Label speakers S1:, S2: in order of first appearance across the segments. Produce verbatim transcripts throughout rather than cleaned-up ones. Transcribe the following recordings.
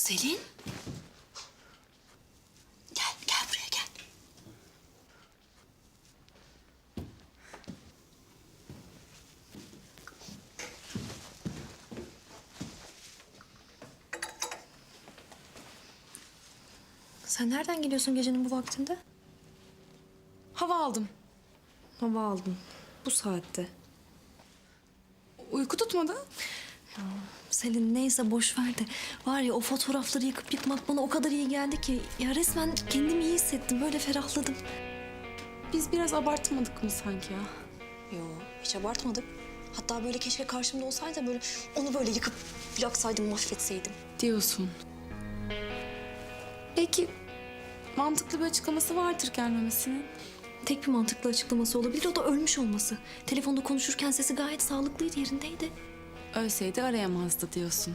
S1: Selin. Gel, gel buraya gel. Sen nereden geliyorsun gecenin bu vaktinde?
S2: Hava aldım.
S1: Hava aldın. Bu saatte.
S2: Uyku tutmadı.
S1: Selin neyse boş ver de. Var ya o fotoğrafları yıkıp yıkmak bana o kadar iyi geldi ki. Ya resmen kendimi iyi hissettim. Böyle ferahladım.
S2: Biz biraz abartmadık mı sanki ya?
S1: Yo hiç abartmadık. Hatta böyle keşke karşımda olsaydı da böyle onu böyle yıkıp yaksaydım, mahvetseydim.
S2: Diyorsun. Belki mantıklı bir açıklaması vardır gelmemesinin.
S1: Tek bir mantıklı açıklaması olabilir. O da ölmüş olması. Telefonda konuşurken sesi gayet sağlıklıydı, yerindeydi.
S2: Ölseydi arayamazdı diyorsun.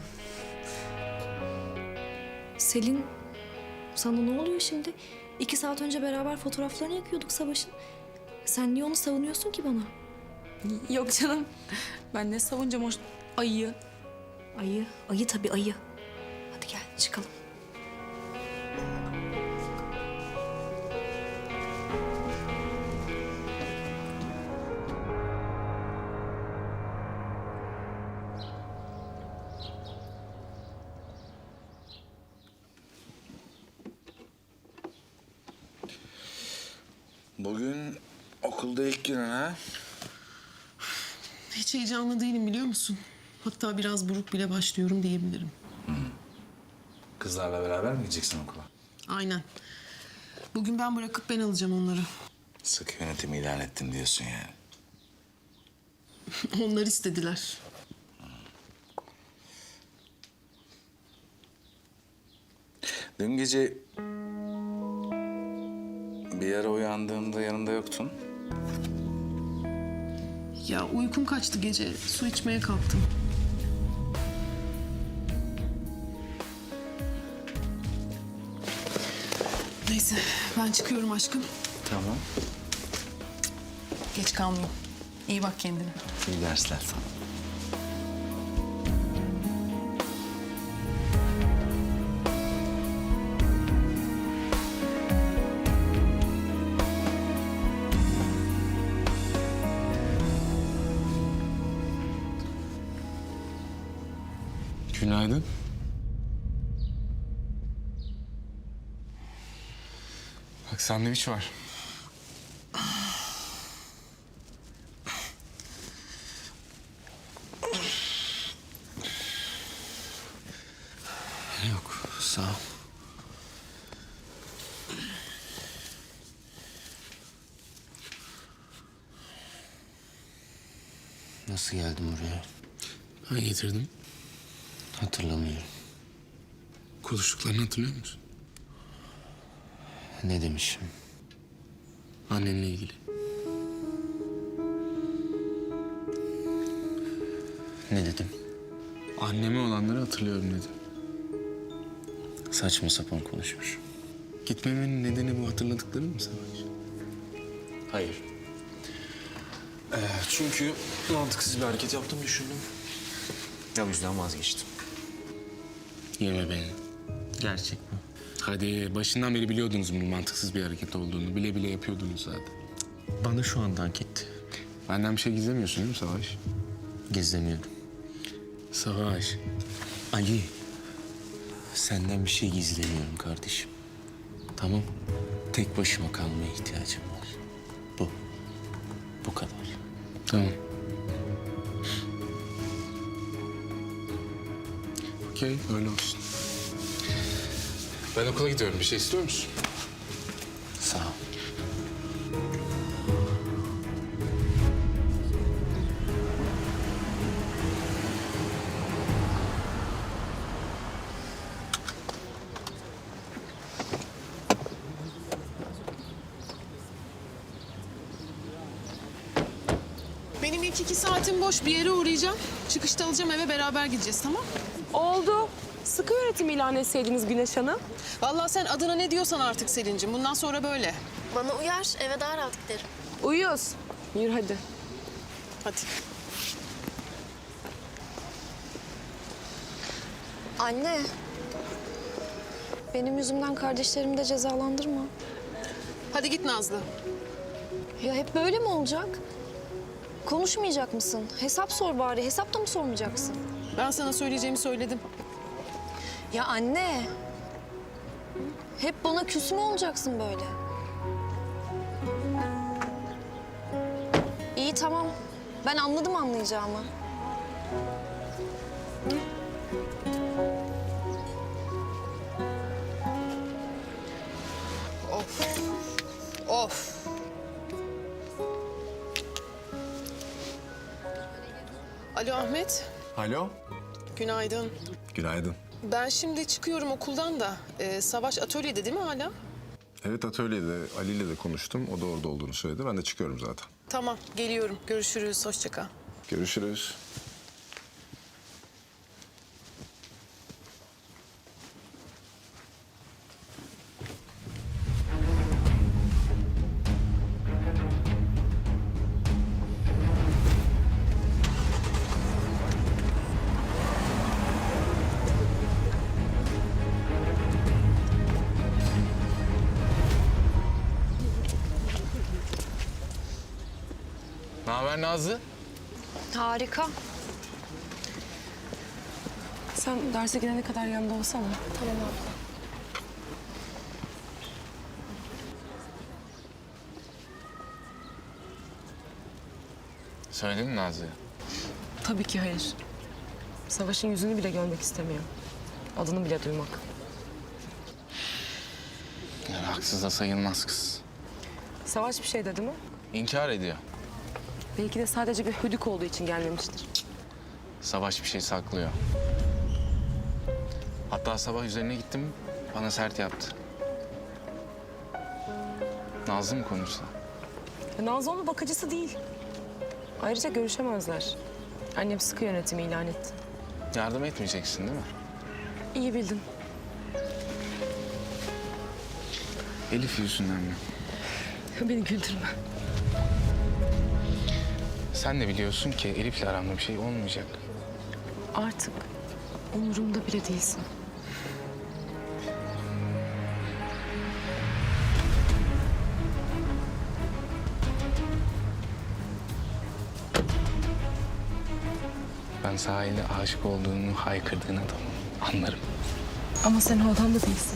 S1: Selin, sana ne oluyor şimdi? İki saat önce beraber fotoğraflarını yakıyorduk Savaş'ın. Sen niye onu savunuyorsun ki bana?
S2: Yok canım. Ben ne savunacağım o ayıyı.
S1: Ayı, ayı tabii ayı. Hadi gel çıkalım.
S3: Bugün okulda ilk günün ha?
S4: Hiç heyecanlı değilim biliyor musun? Hatta biraz buruk bile başlıyorum diyebilirim.
S3: Kızlarla beraber mi gideceksin okula?
S4: Aynen. Bugün ben bırakıp ben alacağım onları.
S3: Sık yönetimi ilan ettim diyorsun yani.
S4: Onlar istediler.
S3: Dün gece bir ara uyandığımda yanımda yoktun.
S4: Ya uykum kaçtı gece. Su içmeye kalktım. Neyse ben çıkıyorum aşkım.
S3: Tamam.
S4: Geç kalmayayım. İyi bak kendine.
S3: İyi dersler sana.
S5: Günaydın. Bak sandviç var.
S6: Yok, sağ ol. Nasıl geldim oraya?
S5: Ben getirdim.
S6: Hatırlamıyorum.
S5: Konuştuklarını hatırlıyor musun?
S6: Ne demişim?
S5: Annenle ilgili.
S6: Ne dedim?
S5: Anneme olanları hatırlıyorum dedim.
S6: Saçma sapan konuşmuş.
S5: Gitmemenin nedeni bu hatırladıkların mı Savaş?
S6: Hayır.
S5: Ee, çünkü mantıksız bir hareket yaptım düşündüm.
S6: O yüzden vazgeçtim.
S5: Yeme beni.
S6: Gerçek mi?
S5: Hadi başından beri biliyordunuz bunun mantıksız bir hareket olduğunu. Bile bile yapıyordunuz zaten.
S6: Bana şu anda hak etti.
S5: Benden bir şey gizlemiyorsun değil mi Savaş?
S6: Gizlemiyordum.
S5: Savaş.
S6: Ali, senden bir şey gizlemiyorum kardeşim. Tamam. Tek başıma kalmaya ihtiyacım var. Bu. Bu kadar.
S5: Tamam. Okey, öyle olsun. Ben okula gidiyorum. Bir şey istiyor musun?
S6: Sağ ol.
S4: Benim ilk iki saatim boş. Bir yere uğrayacağım. Çıkışta alacağım eve beraber gideceğiz tamam?
S7: Oldu. Sıkı yönetim ilan etseydiniz Güneş Hanım.
S4: Vallahi sen adına ne diyorsan artık Selin'cim. Bundan sonra böyle.
S1: Bana uyar, eve daha rahat giderim.
S7: Uyuyoruz. Yürü hadi.
S4: Hadi.
S1: Anne, benim yüzümden kardeşlerimi de cezalandırma.
S4: Hadi git Nazlı.
S1: Ya hep böyle mi olacak? Konuşmayacak mısın? Hesap sor bari. Hesap da mı sormayacaksın?
S4: Ben sana söyleyeceğimi söyledim.
S1: Ya anne. Hep bana küs mü olacaksın böyle? İyi tamam. Ben anladım anlayacağımı.
S4: Of. Alo Ahmet.
S8: Alo.
S4: Günaydın.
S8: Günaydın.
S4: Ben şimdi çıkıyorum okuldan da. Ee, Savaş atölyede değil mi hala?
S8: Evet, atölyede Ali ile de konuştum. O da orada olduğunu söyledi. Ben de çıkıyorum zaten.
S4: Tamam, geliyorum. Görüşürüz. Hoşça kal.
S8: Görüşürüz.
S5: Ne haber Nazlı?
S1: Harika.
S7: Sen derse gidene kadar yanında olsana.
S1: Tamam abla.
S5: Söyledin mi Nazlı'ya?
S7: Tabii ki hayır. Savaş'ın yüzünü bile görmek istemiyor. Adını bile duymak.
S5: Yani haksız da sayılmaz kız.
S7: Savaş bir şey dedi mi?
S5: İnkar ediyor.
S7: Belki de sadece bir hüdük olduğu için gelmemiştir.
S5: Savaş bir şey saklıyor. Hatta sabah üzerine gittim, bana sert yaptı. Nazlı mı konuşsa?
S7: Ya Nazlı onun bakıcısı değil. Ayrıca görüşemezler. Annem sıkı yönetimi ilan etti.
S5: Yardım etmeyeceksin değil mi?
S7: İyi bildin.
S5: Elif yüzünden mi?
S7: Beni güldürme.
S5: Sen de biliyorsun ki Elif'le aramda bir şey olmayacak.
S7: Artık umurumda bile değilsin.
S5: Ben sahilde aşık olduğunu haykırdığın adamım. Anlarım.
S7: Ama sen o adam da değilsin.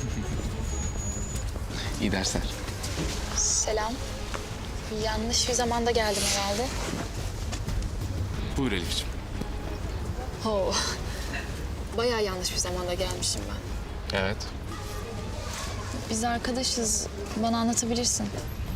S5: İyi dersler.
S9: Selam. Yanlış bir zamanda geldim herhalde.
S5: Buyur Elif'ciğim.
S9: Ho. Bayağı yanlış bir zamanda gelmişim ben.
S5: Evet.
S9: Biz arkadaşız. Bana anlatabilirsin.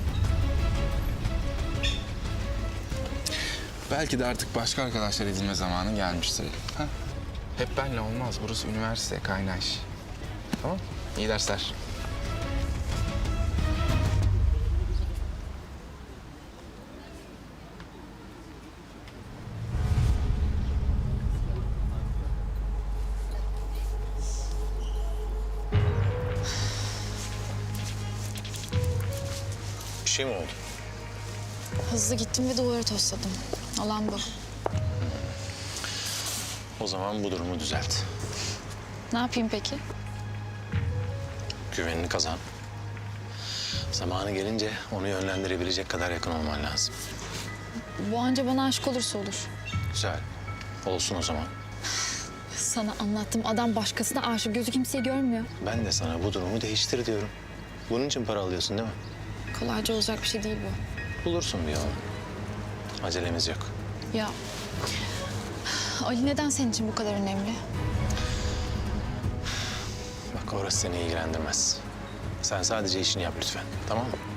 S5: Belki de artık başka arkadaşlar edinme zamanı gelmiştir Elif. Ha? Hep benle olmaz. Burası üniversite, kaynaş. Tamam. İyi dersler.
S6: Bir şey mi oldu?
S9: Hızlı gittim ve duvarı tosladım. Olan bu.
S6: O zaman bu durumu düzelt.
S9: Ne yapayım peki?
S6: Güvenini kazan. Zamanı gelince onu yönlendirebilecek kadar yakın olman lazım.
S9: Bu anca bana aşık olursa olur.
S6: Güzel. Olsun o zaman.
S9: Sana anlattım. Adam başkasına aşık. Gözü kimseyi görmüyor.
S6: Ben de sana bu durumu değiştir diyorum. Bunun için para alıyorsun değil mi?
S9: Kolayca olacak bir şey değil bu.
S6: Bulursun bir yolunu. Acelemiz yok.
S9: Ya Ali neden senin için bu kadar önemli?
S6: Bak orası seni ilgilendirmez. Sen sadece işini yap lütfen. Tamam mı?